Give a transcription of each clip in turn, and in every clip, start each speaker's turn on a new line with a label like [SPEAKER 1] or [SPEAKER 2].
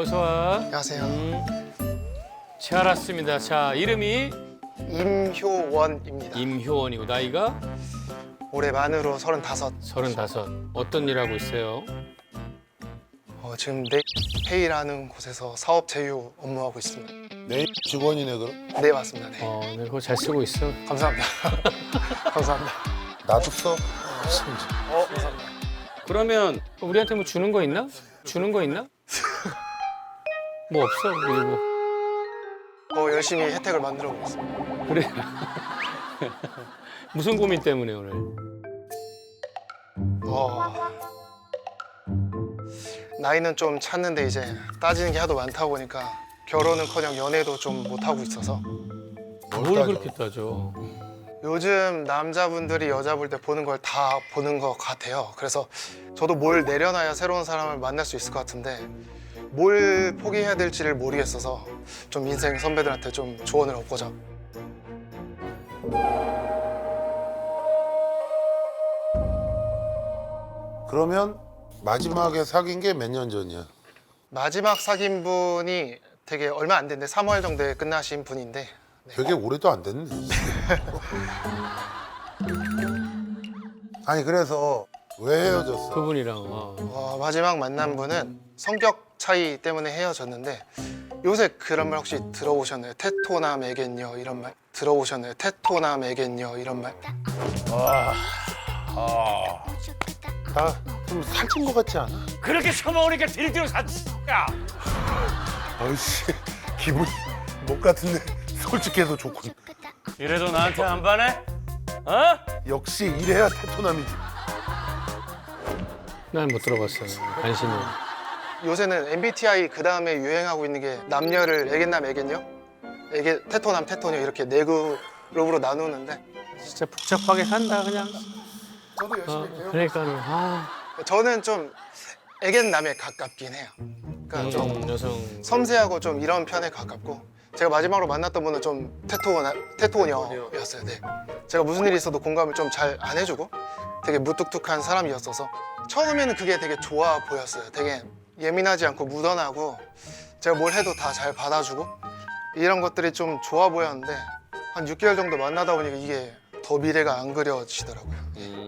[SPEAKER 1] 어서 와.
[SPEAKER 2] 안녕하세요.
[SPEAKER 1] 잘 왔습니다. 자, 이름이
[SPEAKER 2] 임효원입니다.
[SPEAKER 1] 임효원이고 나이가
[SPEAKER 2] 올해 만으로 35.
[SPEAKER 1] 35. 어떤 일 하고 있어요?
[SPEAKER 2] 지금 네페이라는 곳에서 사업 제휴 업무하고 있습니다.
[SPEAKER 3] 내 직원이네 그럼?
[SPEAKER 2] 네, 맞습니다. 네.
[SPEAKER 1] 네, 그거 잘 쓰고 있어.
[SPEAKER 2] 감사합니다. 감사합니다.
[SPEAKER 3] 나도 써.
[SPEAKER 2] 감사합니다.
[SPEAKER 1] 그러면 우리한테 뭐 주는 거 있나? 주는 거 있나? 뭐 없어. 그리고
[SPEAKER 2] 열심히 혜택을 만들어 보겠습니다.
[SPEAKER 1] 그래. 무슨 고민 때문에 오늘?
[SPEAKER 2] 나이는 좀 찼는데 이제 따지는 게 하도 많다 보니까 결혼은커녕 연애도 좀 못 하고 있어서
[SPEAKER 1] 뭘 그렇게 따져?
[SPEAKER 2] 요즘 남자분들이 여자 볼 때 보는 걸 다 보는 것 같아요. 그래서 저도 뭘 내려놔야 새로운 사람을 만날 수 있을 것 같은데 뭘 포기해야 될지를 모르겠어서 좀 인생 선배들한테 좀 조언을 얻고자.
[SPEAKER 3] 그러면 마지막에 사귄 게 몇 년 전이야?
[SPEAKER 2] 마지막 사귄 분이 되게 얼마 안 됐는데 3월 정도에 끝나신 분인데
[SPEAKER 3] 되게 오래도 안 됐네. 아니 그래서 왜 헤어졌어?
[SPEAKER 1] 그분이랑.
[SPEAKER 2] 마지막 만난 분은 성격 차이 때문에 헤어졌는데 요새 그런 말 혹시 들어보셨나요? 테토남 애겠녀 이런 말 들어보셨나요? 테토남 애겠녀 이런 말.
[SPEAKER 3] 나 좀 살찐 것 같지 않아?
[SPEAKER 4] 그렇게 처먹으니까 딜디로 야
[SPEAKER 3] 아이씨 기분이 못 같은데 솔직해도 좋군.
[SPEAKER 4] 이래도 나한테 안 반해? 어?
[SPEAKER 3] 역시 이래야 테토남이지.
[SPEAKER 1] 난 못 들어봤어요. 관심이.
[SPEAKER 2] 요새는 MBTI 그 다음에 유행하고 있는 게 남녀를 애겠남 애겠녀, 테토남 테토녀 이렇게 네 그룹으로 나누는데
[SPEAKER 1] 진짜 복잡하게 산다 그냥.
[SPEAKER 2] 저도 열심히 배우고
[SPEAKER 1] 그러니까는
[SPEAKER 2] 저는 좀 애겠남에 가깝긴 해요. 그러니까 좀
[SPEAKER 1] 여성.
[SPEAKER 2] 섬세하고 좀 이런 편에 가깝고 제가 마지막으로 만났던 분은 좀 테토녀였어요. 네. 제가 무슨 일이 있어도 공감을 좀 잘 안 해주고 되게 무뚝뚝한 사람이었어서 처음에는 그게 되게 좋아 보였어요. 되게 예민하지 않고 무던하고 제가 뭘 해도 다 잘 받아주고 이런 것들이 좀 좋아 보였는데 한 6개월 정도 만나다 보니까 이게 더 미래가 안 그려지더라고요.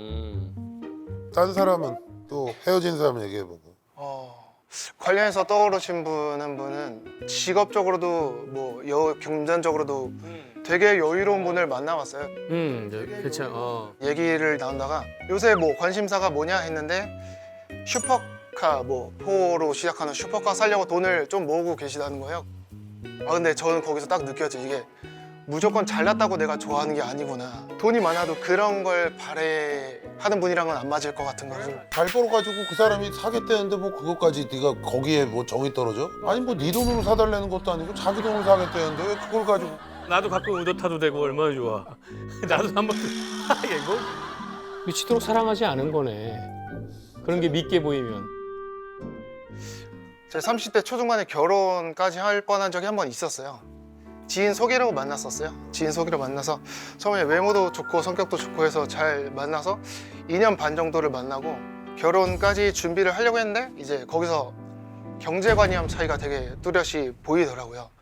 [SPEAKER 3] 딴 사람은 또 헤어진 사람 얘기해보고.
[SPEAKER 2] 관련해서 떠오르신 분은 직업적으로도 뭐 금전적으로도 되게 여유로운 분을 만나봤어요.
[SPEAKER 1] 그렇죠.
[SPEAKER 2] 얘기를 나눈다가 요새 뭐 관심사가 뭐냐 했는데 슈퍼카 뭐 4로 시작하는 슈퍼카 사려고 돈을 좀 모으고 계시다는 거예요. 근데 저는 거기서 딱 느꼈죠. 이게 무조건 잘났다고 내가 좋아하는 게 아니구나. 돈이 많아도 그런 걸 바래하는 분이랑은 안 맞을 것 같은 거를.
[SPEAKER 3] 잘 벌어가지고 그 사람이 사겠다는데 뭐 그것까지 네가 거기에 뭐 정이 떨어져? 아니 뭐 네 돈으로 사달라는 것도 아니고 자기 돈으로 사겠다는데 왜 그걸 가지고.
[SPEAKER 1] 나도 가끔 의도 타도 되고 얼마나 좋아. 나도 한번 이거 미치도록 사랑하지 않은 거네. 그런 게 믿게 보이면.
[SPEAKER 2] 제 30대 초중반에 결혼까지 할 뻔한 적이 한 번 있었어요. 지인 소개로 만났었어요. 지인 소개로 만나서 처음에 외모도 좋고 성격도 좋고 해서 잘 만나서 2년 반 정도를 만나고 결혼까지 준비를 하려고 했는데 이제 거기서 경제관념 차이가 되게 뚜렷이 보이더라고요.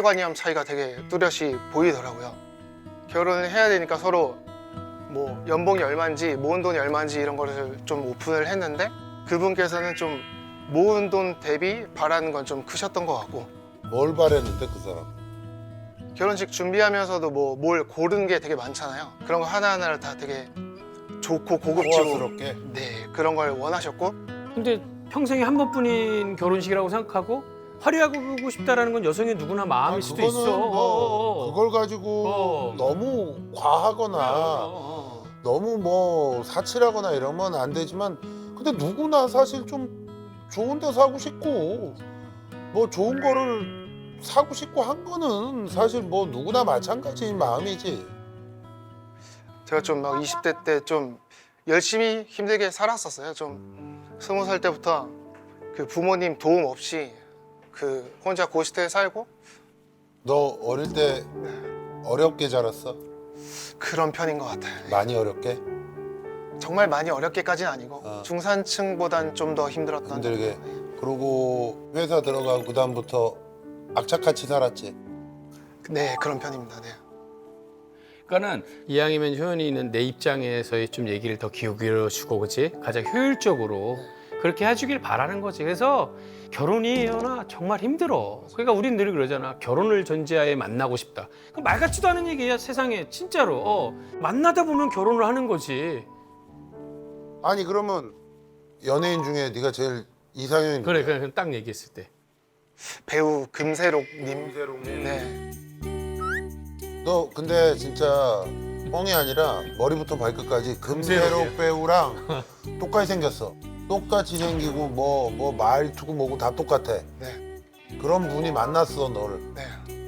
[SPEAKER 2] 결혼을 해야 되니까 서로 뭐 연봉이 얼마인지 모은 돈이 얼마인지 이런 거를 좀 오픈을 했는데 그분께서는 좀 모은 돈 대비 바라는 건 좀 크셨던 것 같고
[SPEAKER 3] 뭘 바랬는데 그 사람?
[SPEAKER 2] 결혼식 준비하면서도 뭐 뭘 고른 게 되게 많잖아요. 그런 거 하나하나를 다 되게 좋고 고급지고
[SPEAKER 3] 호화스럽게?
[SPEAKER 2] 네, 그런 걸 원하셨고
[SPEAKER 1] 근데 평생에 한 번뿐인 결혼식이라고 생각하고 화려하고 싶다라는 건 여성의 누구나 마음일 수도
[SPEAKER 3] 그거는
[SPEAKER 1] 있어.
[SPEAKER 3] 뭐 그걸 가지고 너무 과하거나 너무 뭐 사치라거나 이러면 안 되지만 근데 누구나 사실 좀 좋은 데 사고 싶고 뭐 좋은 거를 사고 싶고 한 거는 사실 뭐 누구나 마찬가지인 마음이지.
[SPEAKER 2] 제가 좀 막 20대 때 좀 열심히 힘들게 살았었어요. 좀 20살 때부터 그 부모님 도움 없이 그 혼자 고시대에 살고
[SPEAKER 3] 너 어릴 때 어렵게 자랐어?
[SPEAKER 2] 그런 편인 것 같아요.
[SPEAKER 3] 많이 어렵게?
[SPEAKER 2] 정말 많이 어렵게까지는 아니고 중산층보단 좀 더 힘들었던.
[SPEAKER 3] 힘들게. 그러고 회사 들어가고 그 다음부터 악착같이 살았지.
[SPEAKER 2] 네, 그런 편입니다. 네.
[SPEAKER 4] 그러니까는
[SPEAKER 1] 이왕이면 효연이는 내 입장에서의 좀 얘기를 더 기울여주고 그치? 가장 효율적으로 그렇게 해주길 바라는 거지. 그래서 결혼이 효연아 정말 힘들어. 그러니까 우린 늘 그러잖아. 결혼을 전제하에 만나고 싶다. 그 말 같지도 않은 얘기야 세상에 진짜로. 만나다 보면 결혼을 하는 거지.
[SPEAKER 3] 아니 그러면 연예인 중에 네가 제일 이상형인
[SPEAKER 1] 그래 그냥 딱 얘기했을 때.
[SPEAKER 2] 배우 금세록님. 네.
[SPEAKER 3] 너 근데 진짜 뻥이 아니라 머리부터 발끝까지 금세록 배우랑 똑같이 생겼어. 똑같이 생기고 뭐 말투고 뭐고 다 똑같아.
[SPEAKER 2] 네.
[SPEAKER 3] 그런 분이 만났어 너를.
[SPEAKER 2] 네.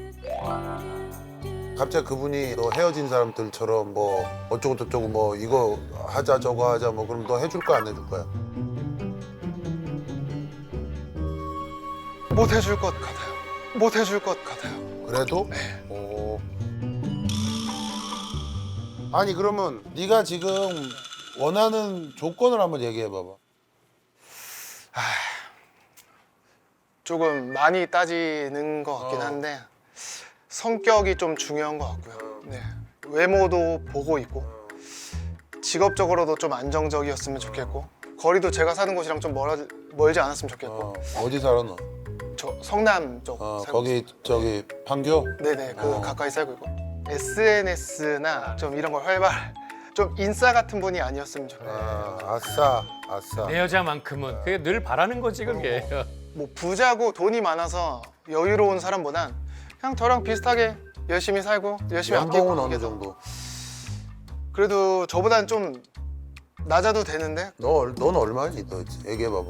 [SPEAKER 3] 갑자기 그분이 너 헤어진 사람들처럼 뭐 어쩌고 저쩌고 뭐 이거 하자 저거 하자 뭐 그럼 너 해줄 거야 안 해줄 거야?
[SPEAKER 2] 못 해줄 것 같아요. 못 해줄 것 같아요.
[SPEAKER 3] 그래도? 오. 아니 그러면 네가 지금 원하는 조건을 한번 얘기해 봐봐.
[SPEAKER 2] 조금 많이 따지는 것 같긴 한데 성격이 좀 중요한 것 같고요. 네. 외모도 보고 있고 직업적으로도 좀 안정적이었으면 좋겠고 거리도 제가 사는 곳이랑 좀 멀지 않았으면 좋겠고
[SPEAKER 3] 어디 살아 너?
[SPEAKER 2] 저 성남 쪽 살고
[SPEAKER 3] 거기 저기 판교?
[SPEAKER 2] 네네 그
[SPEAKER 3] 어.
[SPEAKER 2] 가까이 살고 있고 SNS나 좀 이런 걸 좀 인싸 같은 분이 아니었으면 좋겠어요.
[SPEAKER 3] 아싸.
[SPEAKER 1] 내 여자만큼은 그게 늘 바라는 거지 그게.
[SPEAKER 2] 뭐 부자고 돈이 많아서 여유로운 사람보단 그냥 저랑 비슷하게 열심히 살고 열심히 아끼고
[SPEAKER 3] 연봉은 어느
[SPEAKER 2] 그게 더-
[SPEAKER 3] 정도?
[SPEAKER 2] 그래도 저보단 좀 낮아도 되는데
[SPEAKER 3] 넌 얼마니? 너 얘기해 봐봐.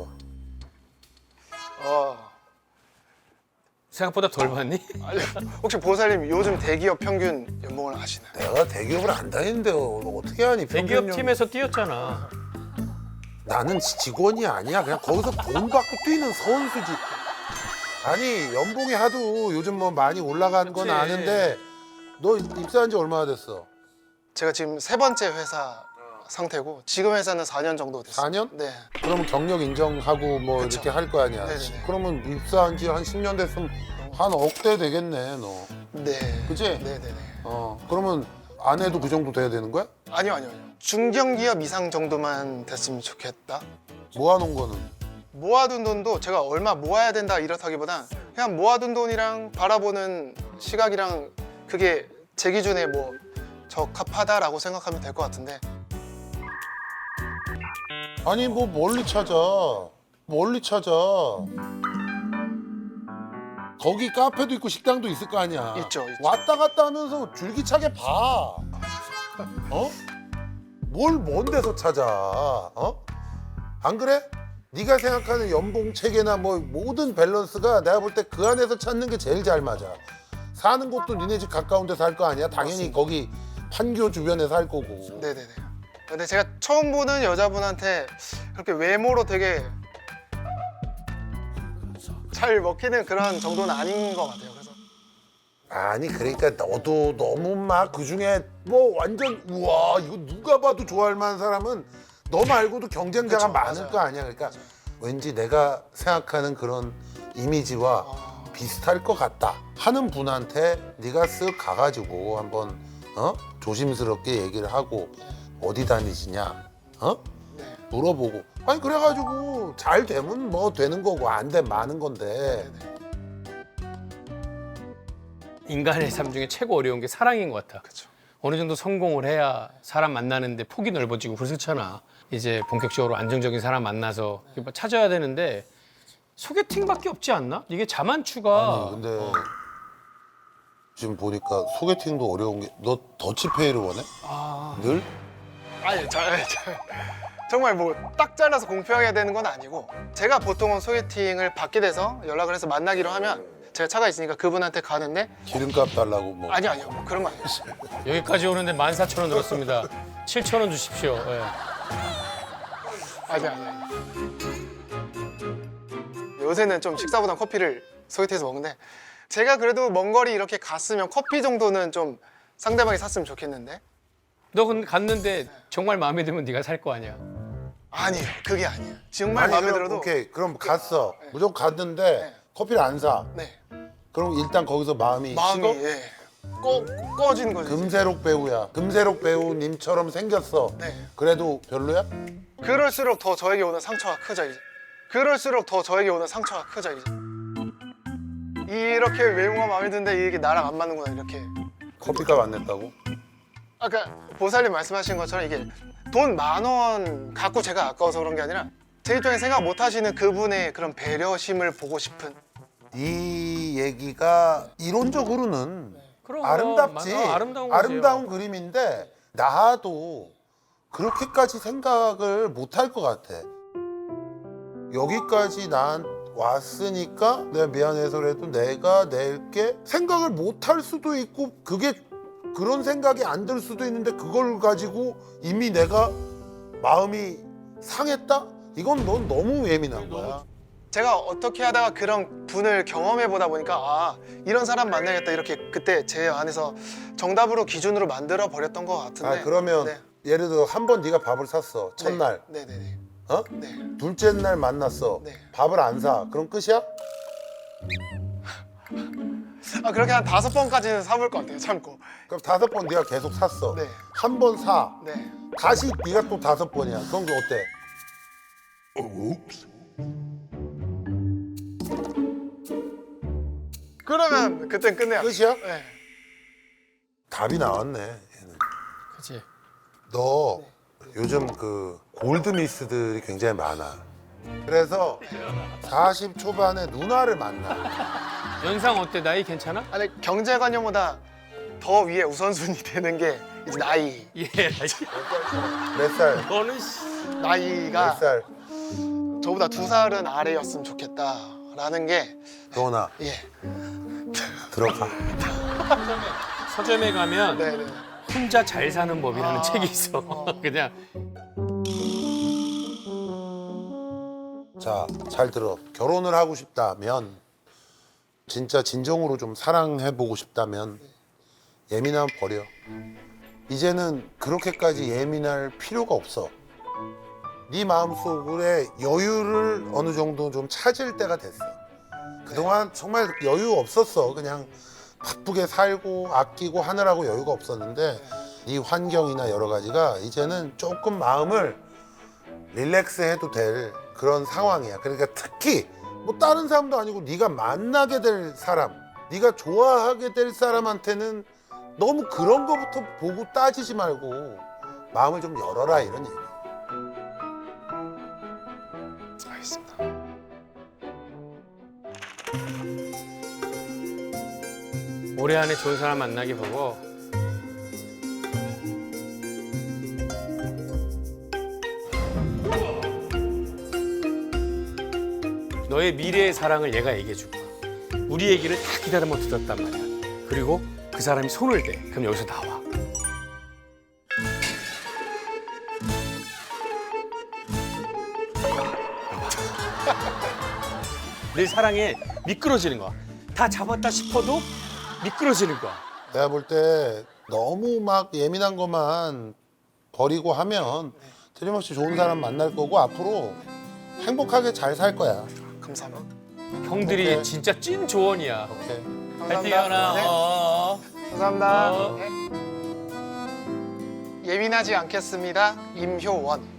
[SPEAKER 1] 생각보다 덜 받니?
[SPEAKER 2] 아니, 혹시 보살님 요즘 대기업 평균 연봉을 아시나요?
[SPEAKER 3] 내가 대기업을 안 다니는데 어떻게 하니?
[SPEAKER 1] 대기업
[SPEAKER 3] 평균
[SPEAKER 1] 팀에서 뛰었잖아.
[SPEAKER 3] 나는 직원이 아니야. 그냥 거기서 돈 받고 뛰는 선수지. 아니 연봉이 하도 요즘 뭐 많이 올라간 건
[SPEAKER 1] 그치.
[SPEAKER 3] 아는데 너 입사한 지 얼마나 됐어?
[SPEAKER 2] 제가 지금 세 번째 회사 상태고 지금 회사는 4년 정도 됐어요.
[SPEAKER 3] 4년?
[SPEAKER 2] 네.
[SPEAKER 3] 그러면 경력 인정하고 뭐
[SPEAKER 2] 그쵸.
[SPEAKER 3] 이렇게 할 거 아니야.
[SPEAKER 2] 네네네.
[SPEAKER 3] 그러면 입사한 지 한 10년 됐으면 한 억대 되겠네 너.
[SPEAKER 2] 네.
[SPEAKER 3] 그치?
[SPEAKER 2] 네네네.
[SPEAKER 3] 그러면 아내도 그 정도 돼야 되는 거야?
[SPEAKER 2] 아니요. 중견기업 이상 정도만 됐으면 좋겠다.
[SPEAKER 3] 모아놓은 거는?
[SPEAKER 2] 모아둔 돈도 제가 얼마 모아야 된다 이렇다기보단 그냥 모아둔 돈이랑 바라보는 시각이랑 그게 제 기준에 뭐 적합하다라고 생각하면 될 것 같은데
[SPEAKER 3] 아니 뭐 멀리 찾아. 거기 카페도 있고 식당도 있을 거 아니야.
[SPEAKER 2] 있죠.
[SPEAKER 3] 왔다 갔다 하면서 줄기차게 봐. 뭘 먼 데서 찾아. 안 그래? 네가 생각하는 연봉 체계나 뭐 모든 밸런스가 내가 볼 때 그 안에서 찾는 게 제일 잘 맞아. 사는 곳도 니네 집 가까운 데 살 거 아니야? 당연히 거기 판교 주변에 살 거고.
[SPEAKER 2] 네네네. 근데 제가 처음 보는 여자분한테 그렇게 외모로 되게 잘 먹히는 그런 정도는 아닌 것 같아요. 그래서
[SPEAKER 3] 아니 그러니까 너도 너무 막 그중에 뭐 완전 우와 이거 누가 봐도 좋아할 만한 사람은 너 말고도 경쟁자가
[SPEAKER 2] 그쵸,
[SPEAKER 3] 많을
[SPEAKER 2] 맞아요.
[SPEAKER 3] 거 아니야. 그러니까 왠지 내가 생각하는 그런 이미지와 비슷할 것 같다 하는 분한테 네가 쓱 가가지고 한번 조심스럽게 얘기를 하고 어디 다니시냐
[SPEAKER 2] 네.
[SPEAKER 3] 물어보고 아니 그래가지고 잘 되면 뭐 되는 거고 안 되면 마는 건데
[SPEAKER 1] 인간의 삶 중에 최고 어려운 게 사랑인 것 같아.
[SPEAKER 2] 그쵸.
[SPEAKER 1] 어느 정도 성공을 해야 사람 만나는데 폭이 넓어지고 그렇잖아. 이제 본격적으로 안정적인 사람 만나서 찾아야 되는데 소개팅밖에 없지 않나? 이게 자만추가
[SPEAKER 3] 아니 근데 지금 보니까 소개팅도 어려운 게 너 더치페이를 원해? 늘?
[SPEAKER 2] 아니 정말 뭐 딱 잘라서 공평해야 되는 건 아니고 제가 보통은 소개팅을 받게 돼서 연락을 해서 만나기로 하면 제가 차가 있으니까 그분한테 가는데
[SPEAKER 3] 기름값 달라고 뭐
[SPEAKER 2] 아니요 뭐 그런 거 아니었어요.
[SPEAKER 1] 여기까지 오는데 14,000원 들었습니다. 7,000원 주십시오. 예.
[SPEAKER 2] 아니. 요새는 좀 식사보단 커피를 소개팅에서 먹는데 제가 그래도 먼 거리 이렇게 갔으면 커피 정도는 좀 상대방이 샀으면 좋겠는데
[SPEAKER 1] 너 근데 갔는데 정말 마음에 들면 네가 살 거 아니야.
[SPEAKER 2] 아니에요. 그게 아니에요. 정말
[SPEAKER 3] 아니
[SPEAKER 2] 마음에
[SPEAKER 3] 그럼
[SPEAKER 2] 들어도
[SPEAKER 3] 오케이 그럼 갔어.
[SPEAKER 2] 네.
[SPEAKER 3] 무조건 갔는데
[SPEAKER 2] 네.
[SPEAKER 3] 커피를 안 사.
[SPEAKER 2] 네.
[SPEAKER 3] 그럼 일단 거기서 마음이 식어?
[SPEAKER 2] 예. 꺼진 거죠.
[SPEAKER 3] 금세록 배우야. 금세록 배우님처럼 생겼어.
[SPEAKER 2] 네.
[SPEAKER 3] 그래도 별로야?
[SPEAKER 2] 그럴수록 더 저에게 오는 상처가 크죠 이제. 그럴수록 더 저에게 오는 상처가 크죠 이제. 이렇게 외모가 마음에 드는데 이게 나랑 안 맞는구나 이렇게.
[SPEAKER 3] 커피값 안 냈다고?
[SPEAKER 2] 아까 보살님 말씀하신 것처럼 이게 돈 10,000원 갖고 제가 아까워서 그런 게 아니라 제 입장에 생각 못 하시는 그분의 그런 배려심을 보고 싶은.
[SPEAKER 3] 이 얘기가 이론적으로는
[SPEAKER 1] 그럼
[SPEAKER 3] 아름답지.
[SPEAKER 1] 아름다운 거지요.
[SPEAKER 3] 아름다운 그림인데 나도 그렇게까지 생각을 못 할 것 같아. 여기까지 난 왔으니까 내가 미안해서라도 내가 낼게 생각을 못 할 수도 있고 그게 그런 생각이 안 들 수도 있는데 그걸 가지고 이미 내가 마음이 상했다? 이건 넌 너무 예민한 거야.
[SPEAKER 2] 제가 어떻게 하다가 그런 분을 경험해 보다 보니까 아 이런 사람 만나야겠다 이렇게 그때 제 안에서 정답으로 기준으로 만들어 버렸던 것 같은데.
[SPEAKER 3] 아 그러면
[SPEAKER 2] 네.
[SPEAKER 3] 예를 들어 한 번 네가 밥을 샀어 첫날
[SPEAKER 2] 네네네.
[SPEAKER 3] 어?
[SPEAKER 2] 네.
[SPEAKER 3] 둘째 날 만났어
[SPEAKER 2] 네.
[SPEAKER 3] 밥을 안 사 그럼 끝이야?
[SPEAKER 2] 아 그렇게 한 5번까지는 사볼 것 같아요. 참고.
[SPEAKER 3] 그럼 5번 네가 계속 샀어
[SPEAKER 2] 네.
[SPEAKER 3] 한 번 사
[SPEAKER 2] 네.
[SPEAKER 3] 다시 네가 또 5번이야 그럼 어때?
[SPEAKER 2] 그러면 그땐 끝내야 돼.
[SPEAKER 3] 끝이야?
[SPEAKER 2] 네.
[SPEAKER 3] 답이 나왔네 얘는.
[SPEAKER 1] 그치.
[SPEAKER 3] 너 요즘 그 골드미스들이 굉장히 많아 그래서 40 초반에 누나를 만나
[SPEAKER 1] 연상 어때? 나이 괜찮아?
[SPEAKER 2] 아니 경제관념보다 더 위에 우선순위 되는 게 이제 나이.
[SPEAKER 1] 예.
[SPEAKER 3] 몇 살?
[SPEAKER 1] 너는 씨.
[SPEAKER 2] 나이가
[SPEAKER 3] 몇 살?
[SPEAKER 2] 저보다 2살은 아래였으면 좋겠다라는 게
[SPEAKER 3] 도원아
[SPEAKER 2] 예.
[SPEAKER 3] 들어가
[SPEAKER 1] 서점에 가면
[SPEAKER 2] 네네.
[SPEAKER 1] 혼자 잘 사는 법이라는 책이 있어. 그냥
[SPEAKER 3] 자, 잘 들어. 결혼을 하고 싶다면 진짜 진정으로 좀 사랑해보고 싶다면 예민함 버려. 이제는 그렇게까지 예민할 필요가 없어. 네 마음속에 여유를 어느 정도 좀 찾을 때가 됐어. 그동안 정말 여유 없었어. 그냥 바쁘게 살고 아끼고 하느라고 여유가 없었는데 네 환경이나 여러 가지가 이제는 조금 마음을 릴렉스 해도 될 그런 상황이야. 그러니까 특히 뭐 다른 사람도 아니고 네가 만나게 될 사람, 네가 좋아하게 될 사람한테는 너무 그런 거부터 보고 따지지 말고 마음을 좀 열어라 이런 얘기.
[SPEAKER 2] 알겠습니다.
[SPEAKER 1] 올해 안에 좋은 사람 만나게 보고 너의 미래의 사랑을 얘가 얘기해 줄 거야. 우리 얘기를 다 기다리며 들었단 말이야. 그리고 그 사람이 손을 대. 그럼 여기서 나와. 내 사랑에 미끄러지는 거야. 다 잡았다 싶어도 미끄러지는 거야.
[SPEAKER 3] 내가 볼 때 너무 막 예민한 것만 버리고 하면 틀림없이 좋은 사람 만날 거고 앞으로 행복하게 잘 살 거야.
[SPEAKER 2] 감사합니다.
[SPEAKER 1] 형들이
[SPEAKER 3] 오케이.
[SPEAKER 1] 진짜 찐 조언이야.
[SPEAKER 3] 오케이.
[SPEAKER 1] 파이팅
[SPEAKER 2] 감사합니다.
[SPEAKER 1] 하나.
[SPEAKER 2] 네.
[SPEAKER 1] 어.
[SPEAKER 2] 감사합니다.
[SPEAKER 1] 어.
[SPEAKER 2] 네. 예민하지 않겠습니다. 임효원.